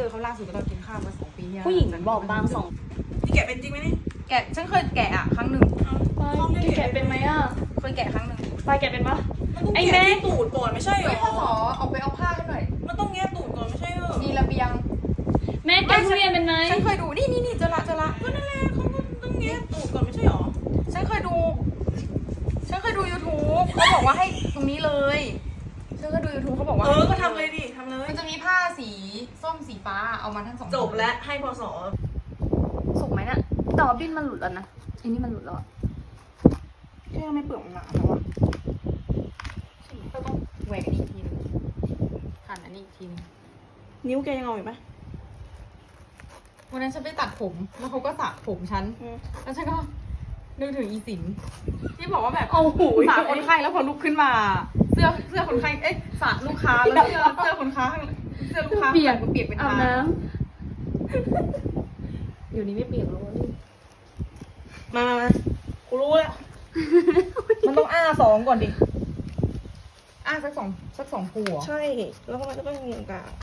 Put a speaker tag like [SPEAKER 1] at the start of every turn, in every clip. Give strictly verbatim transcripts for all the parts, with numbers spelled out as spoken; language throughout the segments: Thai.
[SPEAKER 1] อเขาล่าสุดก็ตอนกินข้าวมาสองปีที่แล้ว
[SPEAKER 2] ผู้หญิงบอกบางสอง
[SPEAKER 3] นี่แกะเป็นจริงไหมนี่
[SPEAKER 1] แกะฉันเคยแกะอ่ะครั้งหนึ่ง
[SPEAKER 2] ไปพี่แกะเป็นไหมอ่ะ
[SPEAKER 1] เคยแกะครั้งหนึ่ง
[SPEAKER 2] ไปแกะเป็นปะ
[SPEAKER 3] มันต้อง
[SPEAKER 2] ไอ้
[SPEAKER 3] แกะ
[SPEAKER 2] แม่
[SPEAKER 3] ที่ตูดก่อนไม่ใช่หร
[SPEAKER 1] เฮ้ยพ่อสอ
[SPEAKER 3] อ
[SPEAKER 1] ออกไปเอาผ้าให้หน่อย
[SPEAKER 3] มันต้องแงะตูดก่อนไม่ใช่เหรอ
[SPEAKER 1] มีระเบียง
[SPEAKER 2] แม่แกะทุเรียนเป็นไหม
[SPEAKER 1] ฉันเคยดูนี่นี่นี่เจอละเจอละ
[SPEAKER 3] ก็นั่นแหละเขาก็ต้องแงะตูดก่อนไม่ใช่หรอ
[SPEAKER 1] ฉันเคยดู ฉันเคยดู YouTube เขาบอกว่าให้ตรงนี้เลยฉันเคยดู YouTube เขาบอกว่า
[SPEAKER 3] เออก็ทำเลยดิทำเลย
[SPEAKER 1] มันจะมีผ้าสีส้มสีฟ้าเอามาทั้งสอง
[SPEAKER 3] จบแล้วให้พศ
[SPEAKER 2] สุกไหมเนี่ยแต่ว่าดิ้นมันหลุดแล้วนะอันนี้มันหลุดแล้วอะ
[SPEAKER 1] แค่ไม่เปลือกมันหนาแล้วอะก็ต้องแหวกอีกทีนึงหั่นอันนี้อีกทีนึง
[SPEAKER 3] นิ้วแกยังเอาอยู่ไหม
[SPEAKER 1] วันนั้นฉันไปตัดผมแล้วเขาก็สระผมฉัน
[SPEAKER 3] อืม
[SPEAKER 1] แล้วฉันก็นึกถึงอีสินที่บอกว่าแบบ
[SPEAKER 2] โอ้โห
[SPEAKER 1] สระคนไข้แล้วพอลุกขึ้นมา เสื้อเสื้อคนไข้เอ๊ะสระลูกค้าแล้วเสื้อเสื้อคนค้าข้างเสื้อลูกค้า
[SPEAKER 2] เปียก
[SPEAKER 1] ข้างหลังเปียกเป็น
[SPEAKER 2] อาบ
[SPEAKER 1] ทาง
[SPEAKER 2] น้ำอยู่นี้ไม่เปียกแล้วนี่
[SPEAKER 3] มามามากูรู้แล้ว มันต้องอ้าสองก่อนดิ
[SPEAKER 1] อ่ะสักสองสักสองผัว
[SPEAKER 3] ใช่ แล้วก็มันก็ต้องมีตรงกลาง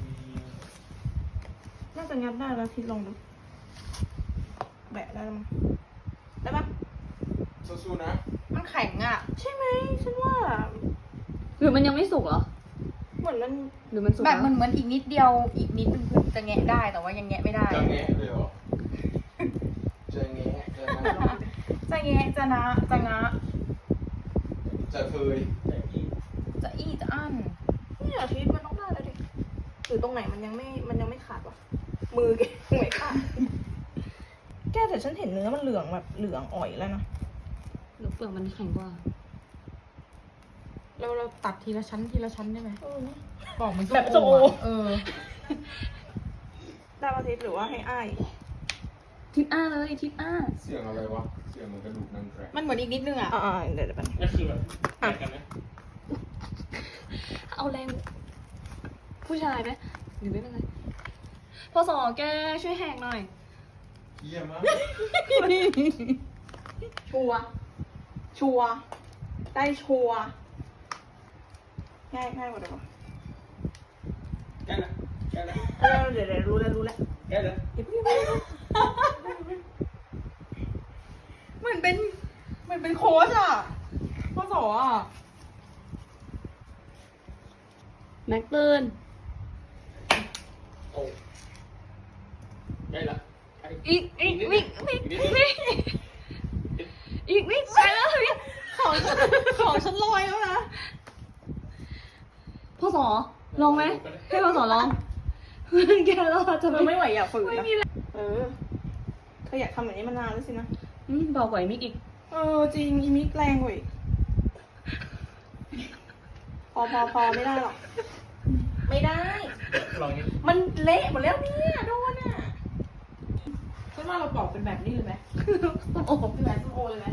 [SPEAKER 3] น่าจะงัดได้แล้วทิศลองดู แบะได้แล้วมั้งได้ปะ
[SPEAKER 4] สู้ๆนะ
[SPEAKER 1] มันแข็งอ่ะ
[SPEAKER 3] ใช่ไหมฉันว่า
[SPEAKER 2] หรือมันยังไม่สุกเหรอ
[SPEAKER 3] เหมือนมัน
[SPEAKER 2] หรือมันสุก
[SPEAKER 1] แบบมัน
[SPEAKER 2] แล้ว
[SPEAKER 1] เหมือนอีกนิดเดียวอีกนิดนึงคือจะแงะได้แต่ว่ายังแงะไม่ได้
[SPEAKER 4] จะแงะเลยเหรอ จะแงะจะนะ
[SPEAKER 1] จะแงะจะนะจะงะ
[SPEAKER 4] จะเคย
[SPEAKER 1] จะอี้จะอั้น
[SPEAKER 3] นี่อาทิตย์มันต้องได้แล้วดิหรือตรงไหนมันยังไม่ มันยังไม่ขาดวะ มือแกไม่ขาด แกแต่ฉันเห็นเนื้อมันเหลืองแบบเหลืองอ่อยแล้วนะ
[SPEAKER 2] หรือเปลือกมันแข็งกว่า
[SPEAKER 1] เราเราตัดทีละชั้นทีละชั้นได้ไหม
[SPEAKER 3] เออ
[SPEAKER 1] ปอกมัน
[SPEAKER 3] แบบส้มโอ
[SPEAKER 1] ะเออ
[SPEAKER 3] ได้อาทิตย์หรือว่าให้อ้าย
[SPEAKER 2] ทิปอ้าเลยทิปอ้า
[SPEAKER 4] เสียงอะไรวะ เสียงเหมือนกระดูกนั่งแกรก
[SPEAKER 1] มันเหมือนอีกนิดนึงอ่ะ
[SPEAKER 3] อ่าๆเดี๋ยวเดี๋ยวแป๊บนึง
[SPEAKER 4] นั่นคือแบบแกกันไหม
[SPEAKER 2] เอาแรง ผู้ชายไหมหรือไม่เป็นไรพอสอแกช่วยแหกหน่อย
[SPEAKER 4] เยี่ยมมาก
[SPEAKER 3] ชัวร์ชัวร์ได้ชัวร์ง่ายง่ายกว่าเดิม
[SPEAKER 4] แกนะแกนะ
[SPEAKER 3] เออเดี๋ยวเดี๋ยวรู้แล้วรู้แล้ว
[SPEAKER 4] แกนะ
[SPEAKER 3] เดี๋ยวพี่ไม่รู้
[SPEAKER 1] เหมือนเป็นเหมือนเป็นโค้ชอ่ะพ่อสออ่ะ
[SPEAKER 2] แม็กตื่น
[SPEAKER 4] โอ้ได้ละ
[SPEAKER 2] อีกอีกวิกวิกวิกอีกวิกไปแล้ววิก
[SPEAKER 1] ของฉันของฉันลอยแล้วนะ
[SPEAKER 2] พ่อสอลองไหมให้พ่อสอลองแกรอดจะ
[SPEAKER 3] เธอ
[SPEAKER 2] ไม่
[SPEAKER 3] ไม่ไหวอย่าฝืน
[SPEAKER 2] ไม่
[SPEAKER 3] นะ
[SPEAKER 2] มีแรง
[SPEAKER 3] เออเธออยากทำแบบนี้มานานแล้วสินะ
[SPEAKER 2] อืมเบากว่าไอ้มิกอีก
[SPEAKER 3] เออจริงอีมิกแรงกว่าอีกพอพอพอไม่ได้หรอก ไม่ได้
[SPEAKER 4] ลองนี้
[SPEAKER 3] มันเละหมดแล้วเนี่ยโดนอ่ะ
[SPEAKER 1] ฉันว่าเราปอกเป็นแบบนี้เลยไหม
[SPEAKER 2] ส้มโอ
[SPEAKER 1] เป็นแบบส้มโอเลยไหม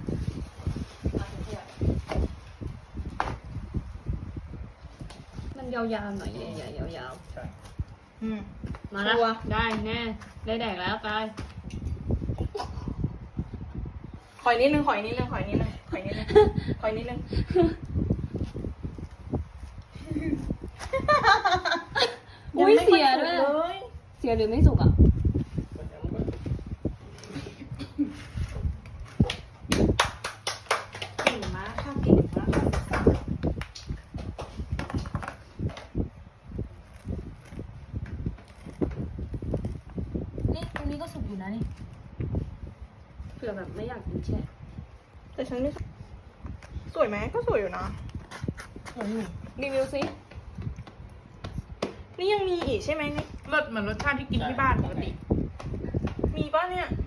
[SPEAKER 2] มันยาวๆหน่อยใหญ่ๆยาว
[SPEAKER 4] ใช่
[SPEAKER 3] อืม
[SPEAKER 2] ๆมาละ
[SPEAKER 3] ชัวร์
[SPEAKER 2] ได้แน่ได้แดกแล้วไป
[SPEAKER 3] ขอยนิดนึงขอยนิดนึงขอยนิดนึงขอยนิดนึงขอยนิดนึง
[SPEAKER 2] อุ้ยเสียด้วย
[SPEAKER 3] งไม่ค่อสุกเลย
[SPEAKER 2] เสียหรือไม่สุกอ่ะ
[SPEAKER 3] เก่งมากค่ะเก่งมากค่ะ
[SPEAKER 1] นี่ตรงนี้ก็สุกอยู่นะนี่
[SPEAKER 2] เผื่อแบบไม่อยากกินแช่
[SPEAKER 3] แต่ฉันไม่สวยไหมก็สวยอยู่นะ
[SPEAKER 1] สวยอยู่
[SPEAKER 3] รีวิวสินี่ยังมีอีกใช่ไหมนี่
[SPEAKER 1] รสเหมือนรสชาติที่กินที่บ้านปกติ
[SPEAKER 3] มีป่ะเนี่ย